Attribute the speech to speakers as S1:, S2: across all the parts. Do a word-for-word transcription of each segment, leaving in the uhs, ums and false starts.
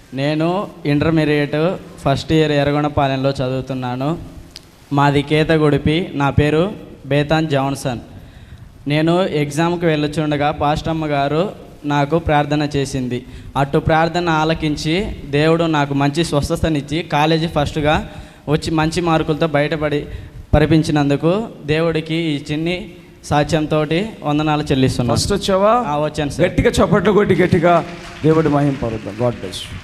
S1: నేను intermediate first year ఎర్రగొండపాలెంలో చదువుతున్నాను. మాది కేతగుడిపి. నా పేరు బేతాన్ జాన్సన్. నేను ఎగ్జామ్కి వెళ్ళొచ్చుండగా పాస్టమ్మ గారు నాకు ప్రార్థన చేసింది. అటు ప్రార్థన ఆలకించి దేవుడు నాకు మంచి స్వస్థతనిచ్చి కాలేజీ ఫస్ట్గా వచ్చి మంచి మార్కులతో బయటపడి పరిపించినందుకు దేవుడికి ఈ చిన్ని సాక్ష్యంతో వందనాలు చెల్లిస్తున్నాను.
S2: ఫస్ట్ వచ్చావా?
S1: వచ్చాను సార్.
S2: గట్టిగా చప్పట్లు కొట్టి గట్టిగా దేవుడి మహిమ పరుద్దాం. God bless you.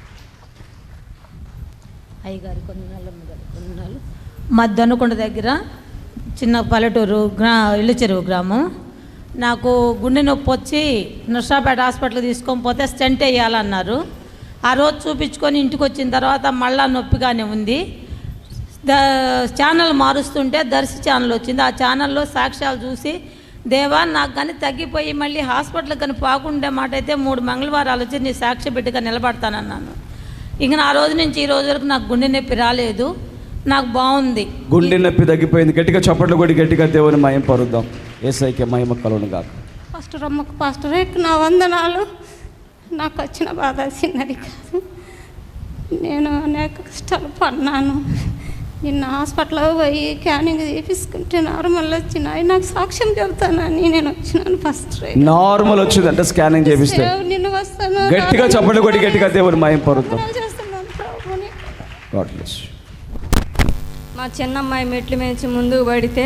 S3: అయ్యగారి కొందనాలు కొందనాలు మా దొన్నకొండ దగ్గర చిన్న పల్లెటూరు గ్రా ఇల్లు చెరువు గ్రామం. నాకు గుండె నొప్పి వచ్చి నర్సాపేట హాస్పిటల్ తీసుకొని పోతే స్టెంట్ వేయాలన్నారు. ఆ రోజు చూపించుకొని ఇంటికి వచ్చిన తర్వాత మళ్ళా నొప్పిగానే ఉంది. ద ఛానల్ మారుస్తుంటే దర్శి ఛానల్ వచ్చింది. ఆ ఛానల్లో సాక్ష్యాలు చూసి దేవా నాకు కానీ తగ్గిపోయి మళ్ళీ హాస్పిటల్కి కానీ పోకుండే మాట అయితే మూడు మంగళవారాలు వచ్చి నీ సాక్ష్య బిడ్డగా నిలబడతానన్నాను. ఇంక నా రోజు నుంచి ఈ రోజు వరకు నాకు గుండె నొప్పి రాలేదు. నాకు బాగుంది.
S2: గుండె నొప్పి తగ్గిపోయింది. గట్టిగా చప్పట్లు కొట్టి గట్టిగా దేవుని మహిమ పరుద్దాం. యేసయ్యకి మహిమ కలుగును గాక.
S4: పాస్టర్ అమ్మకు పాస్టర్ నా వందనాలు. నాకు వచ్చిన బాధ చిన్నది కాదు. నేను అనేక కష్టాలు పడినాను. నిన్న హాస్పిటల్లో పోయి క్యానింగ్ తీపించుకుంటే నార్మల్ వచ్చినాయి. నాకు సాక్ష్యం చెబుతానని నేను వచ్చినాను. ఫస్ట్
S2: నార్మల్ వచ్చింది అంటే స్కానింగ్ చేపిస్తే
S4: నిన్ను వస్తాను.
S2: గట్టిగా చప్పట్లు కొట్టి గట్టిగా దేవుని మహిమ పరుద్దాం.
S4: చేస్తున్నాను ప్రభుని.
S2: God bless you.
S5: మా చిన్నమ్మాయి మెట్లు మేచి ముందుకు పడితే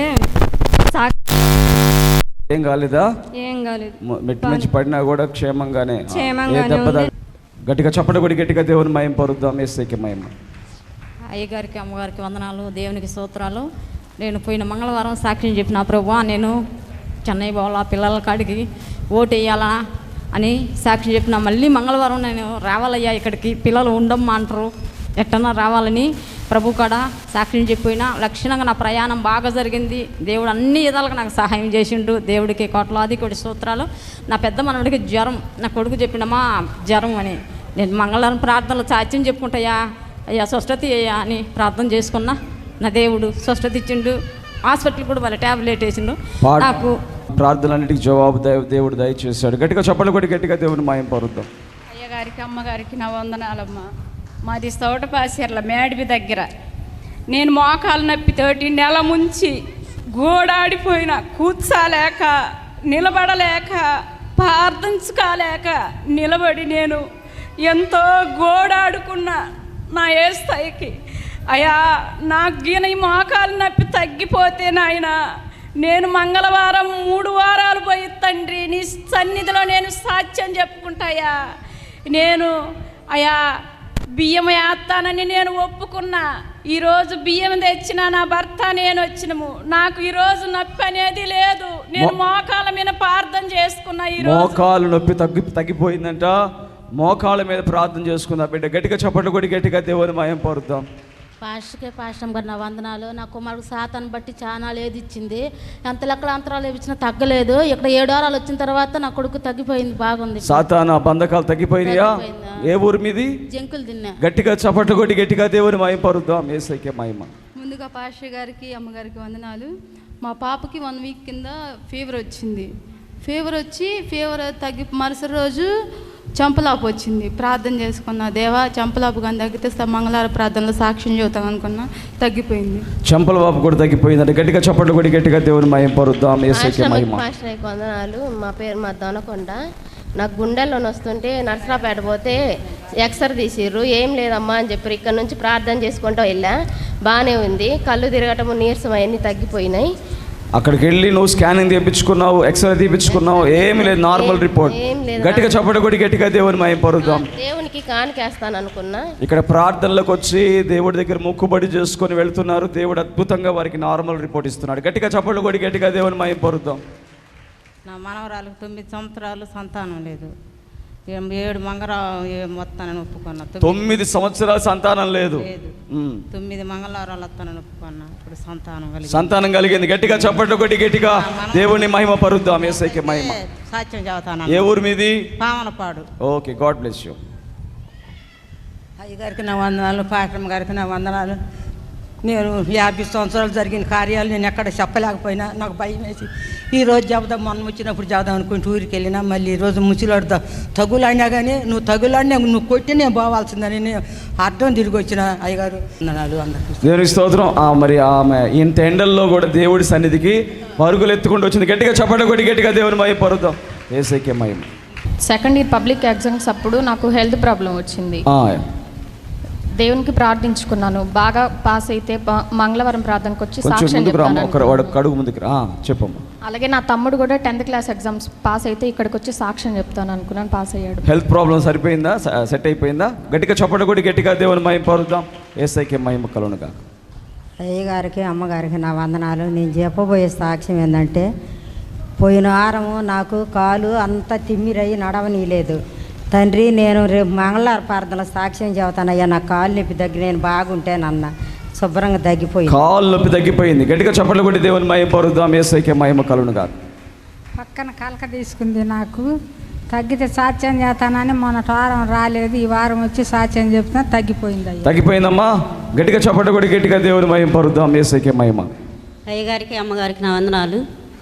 S2: ఏం కాలేదా?
S5: ఏం కాలేదు.
S2: మెట్టు నుంచి పడినా కూడా క్షేమంగానే
S5: క్షేమంగానే ఉంది.
S2: గట్టిగా చప్పట్లు కొట్టి గట్టిగా దేవుని మహిమ పరుద్దాం. యేసయ్యకి మహిమ.
S6: అయ్యగారికి అమ్మగారికి వందనాలు, దేవునికి స్తోత్రాలు. నేను పోయిన మంగళవారం సాక్ష్యం చెప్పిన ప్రభువా నేను చెన్నై పోవాలా పిల్లల కాడికి ఓటు వేయాలా అని సాక్ష్యం చెప్పిన. మళ్ళీ మంగళవారం నేను రావాలయ్యా ఇక్కడికి, పిల్లలు ఉండమ్మా అంటారు, ఎట్టన్నా రావాలని ప్రభు కాడ సాక్ష్యం చెప్పినా లక్షణంగా నా ప్రయాణం బాగా జరిగింది. దేవుడు అన్ని విధాలుగా నాకు సహాయం చేసిండు. దేవుడికి కోట్లాది కోటి స్తోత్రాలు. నా పెద్ద మనవడికి జ్వరం, నా కొడుకు చెప్పినమా జ్వరం అని. నేను మంగళవారం ప్రార్థనలు సాక్ష్యం చెప్పుకుంటాయా అయ్యా స్వస్థత అయ్యా అని ప్రార్థన చేసుకున్నా. నా దేవుడు స్వస్థత ఇచ్చిండు. హాస్పిటల్ కూడా వాళ్ళ ట్యాబ్లెట్ వేసిండు. నాకు
S2: ప్రార్థనలన్నిటికీ జవాబు దేవుడు దయచేశాడు. గట్టిగా చప్పట్లు కొట్టి గట్టిగా దేవుని మహిమ పరుద్దాం.
S7: అయ్యగారికి అమ్మగారికి నా వందనాలమ్మ. మాది సౌటపాసెర్ల మేడిపి దగ్గర. నేను మోకాలు నొప్పితోటి నెల ముంచి గోడాడిపోయిన, కూర్చోలేక నిలబడలేక ప్రార్థించుకోలేక నిలబడి నేను ఎంతో గోడాడుకున్నా నా ఏ స్థాయికి. అయ్యా నాకు గీన ఈ మోకాలు నొప్పి తగ్గిపోతే నాయన నేను మంగళవారం మూడు వారాలు పోయి తండ్రి నీ సన్నిధిలో నేను సాక్ష్యం చెప్పుకుంటాయా. నేను అయ్యా బియ్యం వేస్తానని నేను ఒప్పుకున్నా. ఈరోజు బియ్యం తెచ్చిన నా భర్త నేను వచ్చినము. నాకు ఈరోజు నొప్పి అనేది లేదు. నేను మోకాల మీద ప్రార్థన చేసుకున్నా. ఈరోజు
S2: మోకాలు నొప్పి తగ్గి తగ్గిపోయిందంట. మోకాళ్ళ మీద ప్రార్థన చేసుకుందా బిడ్డ. గట్టిగా చప్పట్లు కొట్టి గట్టిగా దేవుని మహిమ పరుద్దాం.
S3: పాస్టర్కే పాస్టర్ గారు నా వందనాలు. నా కుమారుడు సాతాను బట్టి చాలా ఏది ఇచ్చింది, ఎంత లెక్కల అంతరాలు ఇచ్చినా తగ్గలేదు. ఇక్కడ ఏడు వారాలు వచ్చిన తర్వాత నా కొడుకు తగ్గిపోయింది, బాగుంది.
S2: సాతాను బంధకాలు తగ్గిపోయినాయా? ఏ ఊరు మీది?
S3: జంకులు తిన్నా.
S2: గట్టిగా చప్పట్లు కొట్టి గట్టిగా దేవుని మహిమ పరుద్దాం. యేసయ్యకి మహిమ.
S5: ముందుగా పాస్టర్ గారికి అమ్మగారికి వందనాలు. మా పాపకి వన్ వీక్ కింద ఫీవర్ వచ్చింది. ఫీవర్ వచ్చి ఫీవర్ తగ్గి మరుసటి రోజు చంపలాపు వచ్చింది. ప్రార్థన చేసుకున్నా, దేవా చంపలాపు కానీ తగ్గితే మంగళవార ప్రార్థనలో సాక్ష్యం చెబుతాం అనుకున్నా, తగ్గిపోయింది.
S2: చంపలవాపు కూడా తగ్గిపోయిందంటే గట్టిగా చప్పట్లు కొట్టి గట్టిగా దేవుని మహిమ పరుద్దాం. యేసయ్యకి మహిమ.
S8: పాస్టర్ వందనాలు. మా పేరు మా దొనకొండ. నాకు గుండెల్లో వస్తుంటే నర్సరాపేట పోతే ఎక్సర్ తీసిర్రు. ఏం లేదమ్మా అని చెప్పారు. ఇక్కడ నుంచి ప్రార్థన చేసుకుంటూ వెళ్ళా, బాగానే ఉంది. కళ్ళు తిరగటము నీరసం అవన్నీ తగ్గిపోయినాయి.
S2: అక్కడికి వెళ్ళి నువ్వు స్కానింగ్ తీపించుకున్నావు, ఎక్స్రే తీపించుకున్నావు, ఏమి లేదు, నార్మల్ రిపోర్ట్. గట్టిగా చప్పట్లు కొట్టి గట్టిగా దేవుని మహిమ పరుద్దాం.
S8: దేవునికి కానికేస్తాను అనుకున్నా.
S2: ఇక్కడ ప్రార్థనలకు వచ్చి దేవుడి దగ్గర మొక్కుబడి చేసుకొని వెళ్తున్నారు. దేవుడు అద్భుతంగా వారికి నార్మల్ రిపోర్ట్ ఇస్తున్నాడు. గట్టిగా చప్పట్లు కొట్టి గట్టిగా దేవుని మహిమ పరుద్దాం.
S6: నా మనవరాలకు తొమ్మిది సంవత్సరాలు సంతానం లేదు. ఏడు మంగళ మొత్తానని ఒప్పుకున్నా.
S2: తొమ్మిది సంవత్సరాలు సంతానం లేదు.
S6: తొమ్మిది మంగళవారాలు వస్తానని ఒప్పుకున్నా. ఇప్పుడు సంతానం కలిగింది.
S2: సంతానం కలిగింది. గట్టిగా చప్పట్లు కొట్టి గట్టిగా దేవుని మహిమ పరుద్దాం. యేసయ్యకి మహిమ.
S6: సాక్ష్యం చదువుతాను.
S2: ఏ ఊరు మీది?
S6: Pavanapadu.
S2: Okay, god bless you.
S9: అయ్యగారికి నా వందనాలు, పాస్టర్ గారికి నా వందనాలు. నేను యాభై సంవత్సరాలు జరిగిన కార్యాలు నేను ఎక్కడ చెప్పలేకపోయినా నాకు భయం వేసి ఈరోజు చెబుదాం, మొన్న వచ్చినప్పుడు చెబుదాం అనుకుంటే ఊరికి వెళ్ళినా మళ్ళీ ఈరోజు ముచ్చిలాడుతా తగులాడినా కానీ నువ్వు తగులాడినా నువ్వు కొట్టి నేను పోవాల్సిందని నేను అర్థం తిరిగి వచ్చిన అయ్యగారు నాడు అందరికీ
S2: దేవునికి స్తోత్రం. ఆ, మరి ఆమె ఇంత ఎండల్లో కూడా దేవుడి సన్నిధికి పరుగులు ఎత్తుకుంటూ వచ్చింది. గట్టిగా చప్పట కొట్టి గట్టిగా దేవుని మహిమ పరుద్దాం. యేసయ్యకే మహిమ.
S10: సెకండ్ ఇయర్ పబ్లిక్ ఎగ్జామ్స్ అప్పుడు నాకు హెల్త్ ప్రాబ్లం వచ్చింది.
S2: ఆ,
S10: దేవునికి ప్రార్థించుకున్నాను, బాగా పాస్ అయితే ప- మంగళవారం ప్రార్థనకు వచ్చి
S2: కొంచెం
S10: సాక్ష్యం
S2: ముందుకు రామ్మ,
S10: చెప్తాను.
S2: ఒక వాడు కడుగు ముందుకు రా. ఆ, చెప్పమ్మా.
S10: అలాగే నా తమ్ముడు కూడా టెన్త్ క్లాస్ ఎగ్జామ్స్ పాస్ అయితే ఇక్కడికి వచ్చి సాక్ష్యం చెప్తాను అనుకున్నాను, పాస్ అయ్యాడు.
S2: హెల్త్ ప్రాబ్లం సరిపోయిందా, స- సెట్ అయిపోయిందా? గట్టిగా చప్పట కొట్టి గట్టిగా దేవుని మహిమ పరుద్దాం. యేసయ్యకే మహిమ కలుగునుగా.
S11: అయ్యగారికి అమ్మగారికి నా వందనాలు. నేను చెప్పబోయే సాక్ష్యం ఏంటంటే, పోయిన వారము నాకు కాలు అంతా తిమ్మిరయ్యి నడవనీయలేదు. తండ్రి, నేను రేపు మంగళవారం ప్రార్థనలో సాక్ష్యం చెబుతానయ్యా, నా కాలు నొప్పి దగ్గర నేను బాగుంటేనన్న శుభ్రంగా తగ్గిపోయింది.
S2: కాలు నొప్పి తగ్గిపోయింది. గట్టిగా చప్పట్లు కొట్టి దేవుని మహిమ పరుద్దాం. యేసయ్యకే మహిమ కలుగునుగా.
S12: పక్కన కలక తీసుకుంది, నాకు తగ్గితే సాక్ష్యం చేస్తానని మొన్న వారం రాలేదు, ఈ వారం వచ్చి సాక్ష్యం చెప్తున్నా తగ్గిపోయింది. అయ్యా
S2: తగ్గిపోయిందమ్మా. గట్టిగా చప్పట్లు కొట్టి గట్టిగా దేవుని మహిమ పరుద్దాం. యేసయ్యకే మహిమ.
S13: అయ్యగారికి అమ్మగారికి నా వందనాలు.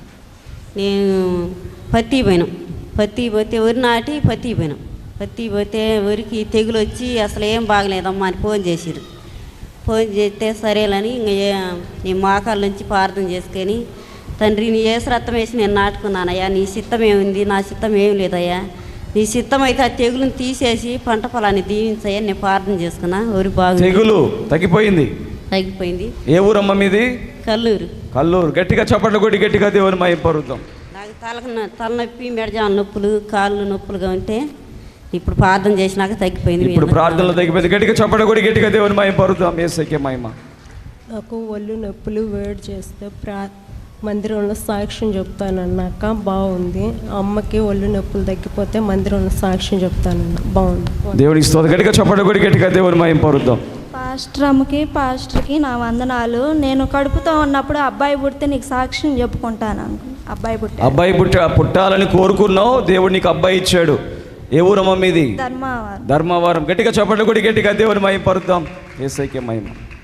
S13: నేను పత్తి పోయినాం, పత్తి పోతే వరి నాటి పత్తి పోయినాం. పత్తి పోతే వరికి తెగులు వచ్చి అసలు ఏం బాగలేదమ్మా అని ఫోన్ చేసిరు. ఫోన్ చేస్తే సరేలని ఇంక నీ మోకాళ్ళ నుంచి ప్రార్థన చేసుకొని, తండ్రి నీ ఏసు రక్తం వేసి నేను నాటుకున్నానయ్యా, నీ సిద్ధం ఏముంది, నా సిద్ధం ఏం లేదయ్యా, నీ సిద్ధం అయితే ఆ తెగులను తీసేసి పంట పొలాన్ని దీవించయ్యా నేను ప్రార్థన చేసుకున్నా. వరి బాగా
S2: తెగులు తగ్గిపోయింది,
S13: తగ్గిపోయింది.
S2: ఏ ఊరమ్మ మీది?
S13: కల్లూరు.
S2: కల్లూరు. గట్టిగా చప్పట్లు కొట్టి గట్టిగా దేవుని మహిమ పరుద్దాం.
S13: నాకు తలకు తలనొప్పి మెడజాల నొప్పులు కాళ్ళు నొప్పులుగా ఉంటే ఇప్పుడు ప్రార్థన చేసినాక తగ్గిపోయింది.
S2: ఇప్పుడు ప్రార్థనలు తగ్గిపోయింది. గట్టిగా చప్పట్లు కొట్టి గట్టిగా దేవుని మహిమ పరుద్దాం. యేసయ్యకే మహిమ.
S14: నాకు ఒళ్ళు నొప్పులు వేడి చేస్తే ప్రా మందిరంలో సాక్ష్యం చెప్తానన్నాక బాగుంది. అమ్మకి ఒళ్ళు నొప్పులు తగ్గిపోతే మందిరంలో సాక్ష్యం చెప్తానన్న బాగుంది.
S2: దేవునికి స్తోత్రం. గట్టిగా చప్పట్లు కొట్టి గట్టిగా దేవుని మహిమ పరుద్దాం.
S15: పాస్టర్ అమ్మకి పాస్టర్కి నా వందనాలు. నేను కడుపుతో ఉన్నప్పుడు అబ్బాయి పుడితే నీకు సాక్ష్యం చెప్పుకుంటాను అనుకు అబ్బాయి పుట్ట
S2: అబ్బాయి పుట్ట పుట్టాలని కోరుకున్నావు, దేవుడు నీకు అబ్బాయి ఇచ్చాడు. ఏ ఊరమ్మ మీది?
S15: ధర్మవరం.
S2: ధర్మవరం. గట్టిగా చప్పట్లు కొట్టి గట్టిగా దేవుని మహిమ పరుద్దాం. యేసయ్యకే మహిమ.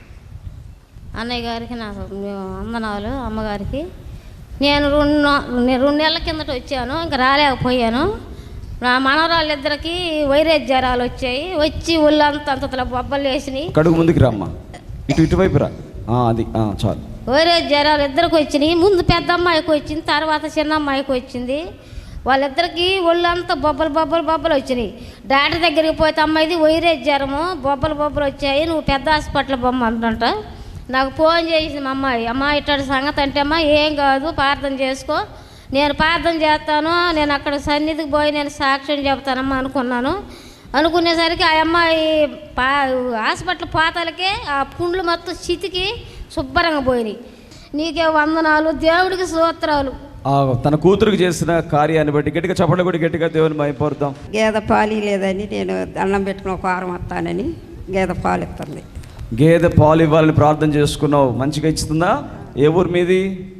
S6: అన్నయ్య గారికి నా వందనాలు. అమ్మగారికి నేను రెండు నేను రెండు నెలల కిందట వచ్చాను, ఇంకా రాలేకపోయాను. నా మనవరాళ్ళిద్దరికి వైరస్ జ్వరాలు వచ్చాయి, వచ్చి ఒళ్ళంతా అంతలో బొబ్బలు వేసినాయి.
S2: కడుగు ముందుకు రామ్మా, ఇటు ఇటువైపు రా. ఆ, అది ఆ, చాలు.
S6: వైరస్ జ్వరాలు ఇద్దరికి వచ్చినాయి. ముందు పెద్ద అమ్మాయికి వచ్చింది, తర్వాత చిన్న అమ్మాయికి వచ్చింది. వాళ్ళిద్దరికి ఒళ్ళంతా బొబ్బలు బొబ్బలు బొబ్బలు వచ్చినాయి. డాక్టర్ దగ్గరికి పోతే అమ్మాయిది వైరస్ జ్వరము, బొబ్బలు బొబ్బలు వచ్చాయి, నువ్వు పెద్ద హాస్పిటల్ బొమ్మంట. నాకు ఫోన్ చేసింది మా అమ్మాయి, అమ్మ ఇట్లాంటి సంగతి అంటే అమ్మ ఏం కాదు ప్రార్థన చేసుకో, నేను ప్రార్థన చేస్తాను, నేను అక్కడ సన్నిధికి పోయి నేను సాక్ష్యం చెప్తానమ్మా అనుకున్నాను. అనుకునేసరికి ఆ అమ్మాయి పా హాస్పిటల్ పాతాలకే ఆ పుండ్లు మొత్తం చితికి శుభ్రంగా పోయినాయి. నీకే వందనాలు, దేవుడికి స్తోత్రాలు.
S2: తన కూతురుకి చేసిన కార్యాన్ని బట్టి గట్టిగా చప్పట్లు కొట్టి గట్టిగా దేవుని మహిమ పరుద్దాం.
S11: గేదె పాలు లేదని నేను దండం పెట్టుకుని ఒక వారం వస్తానని గేదె పాలు ఇస్తుంది.
S2: గేదె పాలు ఇవ్వాలని ప్రార్థన చేసుకున్నావు, మంచిగా ఇస్తుందా? ఏ ఊరు మీది?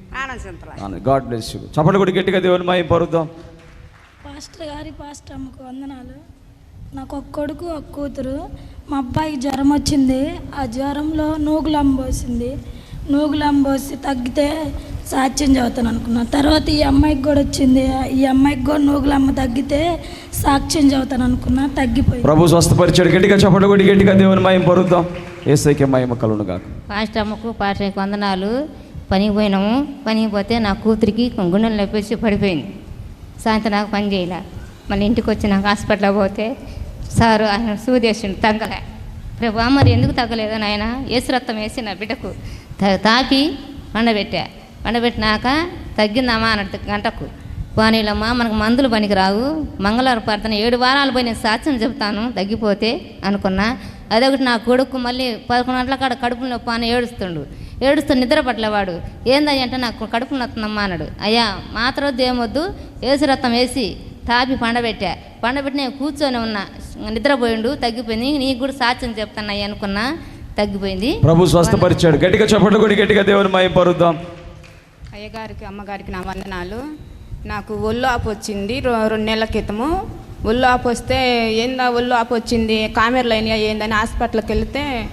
S2: God bless you. చప్పట్లు కొట్టి గట్టిగా దేవుని మహిమ పరుద్దాం.
S16: పాస్టర్ గారి పాస్టర్ అమ్మకు వందనాలు. నాకు ఒక కొడుకు ఒక కూతురు. మా అబ్బాయికి జ్వరం వచ్చింది, ఆ జ్వరంలో నూగులం పోసింది. నూగులం పోసి తగ్గితే సాక్ష్యం చదువుతాను అనుకున్నాను. తర్వాత ఈ అమ్మాయికి కూడా వచ్చింది, ఈ అమ్మాయికి కూడా నూగులమ్మ తగ్గితే సాక్ష్యం చదువుతాను అనుకున్నా, తగ్గిపోయింది.
S2: ప్రభు స్వస్థపరిచాడు. గట్టిగా చప్పట్లు కొట్టి గట్టిగా దేవుని మహిమ పరుద్దాం. యేసయ్యకే మహిమ కలుగును గాక.
S6: పాస్టర్ అమ్మకు పాస్టర్కి వందనాలు. పనికి పోయినాము, పనికి పోతే నా కూతురికి గుండెలు నొప్పేసి పడిపోయింది. సాయంత్రం నాకు పని చేయలే. మళ్ళీ ఇంటికి వచ్చి నాకు హాస్పిటల్ పోతే సారు ఆయన సూదేశుడు తగ్గలే. ప్రభు మరి ఎందుకు తగ్గలేదు నాయన? ఏసు రక్తం వేసి నా బిడ్డకు తాపి పండబెట్టా. పండబెట్టినాక తగ్గిందమ్మా అన్నట్టు గంటకు. పోనీలమ్మా మనకు మందులు పనికి రావు, మంగళవారం ప్రార్థన ఏడు వారాలు పోయి నేను సాక్ష్యం చెప్తాను తగ్గిపోతే అనుకున్నా. అదొకటి నా కొడుకు మళ్ళీ పదకొండు గంటల కాడ కడుపులో నొప్పి అని ఏడుస్తుండు. ఏడుస్తూ నిద్ర పట్లేవాడు. ఏందని అంటే నాకు కడుపు నొత్తుందమ్మా అన్నాడు. అయ్యా మాత్రం దేమొద్దు, ఏసు రక్తం వేసి తాపి పండబెట్టా. పండబెట్టి నేను కూర్చొని ఉన్నా, నిద్రపోయిండు, తగ్గిపోయింది. నీకు కూడా సాక్ష్యం చెప్తాను అయ్యా అనుకున్నా, తగ్గిపోయింది.
S2: ప్రభు స్వస్థపరిచాడు. గట్టిగా చప్పట్లు కొట్టి గట్టిగా దేవుని మహిమ పరుద్దాం.
S17: అయ్యగారికి అమ్మగారికి నా వందనాలు. నాకు ఒళ్ళు ఆపు వచ్చింది రెండు నెలల క్రితము. ఒళ్ళు ఆపు వస్తే ఏందా ఒళ్ళు ఆపు వచ్చింది, కామెర్లు అయినాయా ఏందని హాస్పిటల్కి వెళితే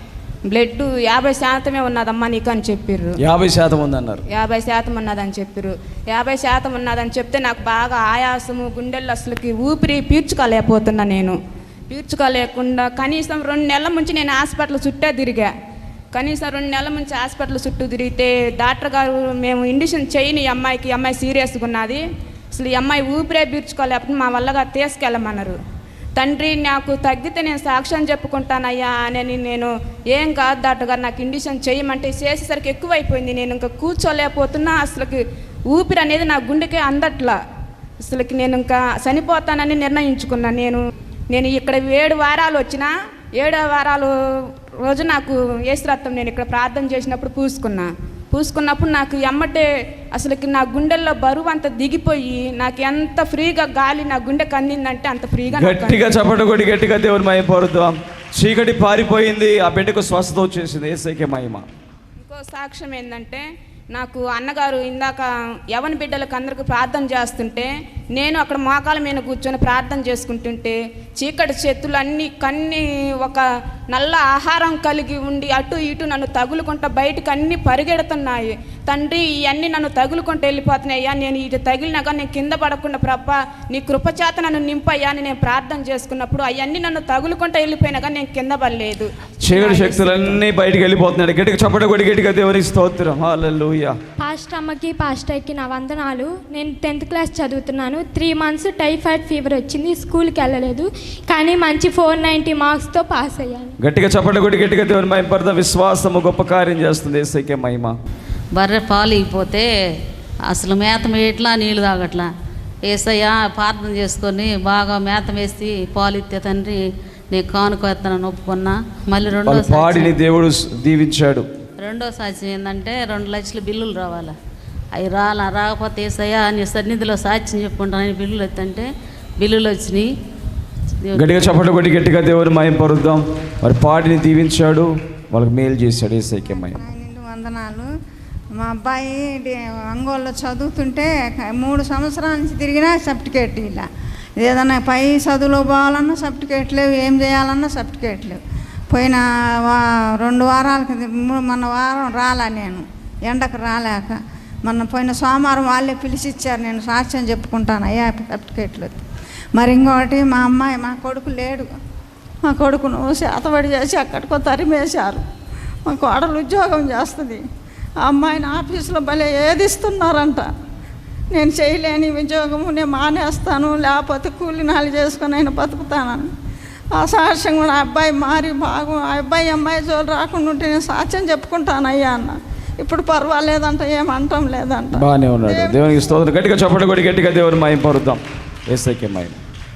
S17: బ్లడ్ యాభై శాతమే ఉన్నదమ్మా నీకు అని చెప్పారు.
S2: యాభై శాతం ఉందన్నారు.
S17: యాభై శాతం ఉన్నదని చెప్పారు. యాభై శాతం ఉన్నదని చెప్తే నాకు బాగా ఆయాసము, గుండెల్లో అసలుకి ఊపిరి పీల్చుకోలేకపోతున్నా. నేను పీల్చుకోలేకుండా కనీసం రెండు నెలల నుంచి నేను హాస్పిటల్ చుట్టే తిరిగా. కనీసం రెండు నెలల నుంచి హాస్పిటల్ చుట్టూ తిరిగితే డాక్టర్ గారు మేము ఇండిషన్ చేయని ఈ అమ్మాయికి, ఈ అమ్మాయి సీరియస్గా ఉన్నది, అసలు ఈ అమ్మాయి ఊపిరే పీల్చుకోలేకపోతే మా వల్లగా తీసుకెళ్ళమన్నారు. తండ్రి నాకు తగ్గితే నేను సాక్ష్యం చెప్పుకుంటానయ్యా అని నేను, ఏం కాదు డాక్టర్ గారు నాకు ఇండిషన్ చేయమంటే చేసేసరికి ఎక్కువైపోయింది. నేను ఇంకా కూర్చోలేకపోతున్నా. అసలుకి ఊపిరి అనేది నా గుండెకే అందట్లా. అసలుకి నేను ఇంకా చనిపోతానని నిర్ణయించుకున్నాను. నేను నేను ఇక్కడ ఏడు వారాలు వచ్చినా ఏడో వారాలు రోజు నాకు యేసు రక్తం నేను ఇక్కడ ప్రార్థన చేసినప్పుడు పూసుకున్నా. పూసుకున్నప్పుడు నాకు ఎమ్మటే అసలుకి నా గుండెల్లో బరువు అంత దిగిపోయి నాకు ఎంత ఫ్రీగా గాలి నా గుండెకి అందిందంటే అంత ఫ్రీగా.
S2: గట్టిగా చప్పట కొట్టి గట్టిగా దేవుని మహిమ పరుద్దాం. చీకటి పారిపోయింది, ఆ బిడ్డకు స్వస్థత వచ్చేసింది. యేసయ్యకే మహిమ.
S17: ఇంకో సాక్ష్యం ఏంటంటే, నాకు అన్నగారు ఇందాక యవన బిడ్డలకు అందరికీ ప్రార్థన చేస్తుంటే నేను అక్కడ మోకాల మీద కూర్చొని ప్రార్థన చేసుకుంటుంటే చీకటి చేతులు అన్నీ కన్ని ఒక నల్ల ఆహారం కలిగి ఉండి అటు ఇటు నన్ను తగులుకుంటా బయటకు అన్నీ పరిగెడుతున్నాయి. తండ్రి ఇవన్నీ నన్ను తగులుకుంటూ వెళ్ళిపోతున్నాయ్యా, నేను ఇది తగిలినాక నేను కింద పడకుండా ప్రభ నీ కృపచేత నన్ను నింపయ్యా అని నేను ప్రార్థన చేసుకున్నప్పుడు అవన్నీ నన్ను తగులుకుంటూ వెళ్ళిపోయినా కానీ నేను కింద పడలేదు.
S2: చీకటి శక్తులన్నీ బయటికి వెళ్ళిపోతున్నాడు. గట్టిగా చప్పట కొట్టి గట్టిగా దేవునికి స్తోత్రం. హల్లెలూయా.
S18: పాస్టర్ అమ్మకి పాస్టర్కి నా వందనాలు. నేను టెన్త్ క్లాస్ చదువుతున్నాను. త్రీ మంత్స్ టైఫాయిడ్ ఫీవర్ వచ్చింది, స్కూల్కి వెళ్ళలేదు, కానీ మంచి ఫోర్ నైంటీ మార్క్స్తో పాస్ అయ్యాను.
S2: గట్టిగా చప్పట కొట్టి గట్టిగా దేవుని మహిమ పరుద్దాం. విశ్వాసము గొప్ప కార్యం చేస్తుంది. యేసయ్యకే మహిమ.
S19: బర్రె పాలు ఇగిపోతే అసలు మేత మేట్లా నీళ్ళు తాగట్లా. యేసయ్య ప్రార్థన చేసుకొని బాగా మేత వేసి పాలు ఇస్తే తండ్రి నేను కానుకొస్తానని ఒప్పుకున్నా. మళ్ళీ రెండో
S2: పాడిని దేవుడు దీవించాడు.
S19: రెండో సాక్ష్యం ఏంటంటే రెండు లక్షల బిల్లులు రావాలా, అవి రాలా. రాకపోతే యేసయ్య నీ సన్నిధిలో సాక్ష్యం చెప్పుకుంటానని బిల్లులు వస్తుంటే బిల్లులు వచ్చినాయి.
S2: గట్టిగా చప్పట కొట్టి గట్టిగా దేవుని మహిమ పరుద్దాం. మరి పాడిని దీవించాడు, వాళ్ళకి మేలు చేశాడు. యేసయ్యకే మహిమ.
S12: వందనాలు. మా అబ్బాయి ఒంగోలులో చదువుతుంటే మూడు సంవత్సరాల నుంచి తిరిగినా సర్టిఫికేట్ ఇలా, ఏదన్నా పై చదువులో పోవాలన్నా సర్టిఫికేట్ లేవు, ఏం చేయాలన్నా సర్టిఫికేట్ లేవు. పోయిన వా రెండు వారాలకి మొన్న వారం రాలా, నేను ఎండకు రాలేక మొన్న పోయిన సోమవారం వాళ్ళే పిలిచి ఇచ్చారు. నేను సాక్ష్యం చెప్పుకుంటాను అయ్యా సర్టిఫికేట్లు. మరి ఇంకొకటి మా అమ్మాయి మా కొడుకు లేడు, మా కొడుకును శాతబడి చేసి అక్కడికో తరిమేశారు. మా కోడలు ఉద్యోగం చేస్తుంది, ఆ అమ్మాయిని ఆఫీసులో భలే ఏదిస్తున్నారంట. నేను చేయలేని ఉద్యోగము నేను మానేస్తాను, లేకపోతే కూలి నాలి చేసుకొని అయినా బతుకుతానని ఆ సాక్ష్యం కూడా అబ్బాయి మారి బాగు ఆ అబ్బాయి అమ్మాయి జోలు రాకుండా ఉంటే నేను సాక్ష్యం చెప్పుకుంటాను అయ్యా అన్న. ఇప్పుడు పర్వాలేదంట, ఏమంటాం లేదంట.
S2: బాగానే ఉన్నాడు. దేవునికి స్తోత్రం. గట్టిగా చప్పట కొట్టి గట్టిగా దేవుని మహిమ పరుద్దాం. యేసయ్యకే మహిమ.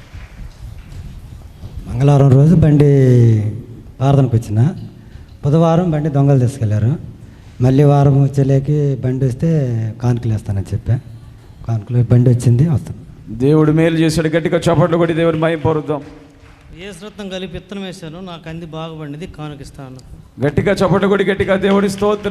S20: మంగళవారం రోజు బండి ప్రార్థనకు వచ్చిన, బుధవారం బండి దొంగలు తీసుకెళ్లారు. మళ్ళీ వారం వచ్చేలేకి బండి వస్తే కానుకలు వేస్తానని చెప్పా. కానుకలు బండి వచ్చింది, వస్తాను.
S2: దేవుడు మేలు చేశాడు. గట్టిగా చప్పట్లు కొట్టి దేవుని మహిమ పరుద్దాం.
S21: యేసు రత్నం కలిపి విత్తనం వేశాను, నాకు అంది బాగుపడింది, కానుకిస్తాను.
S2: గట్టిగా చప్పట్లు కొట్టి గట్టిగా దేవుడి స్తోత్రం.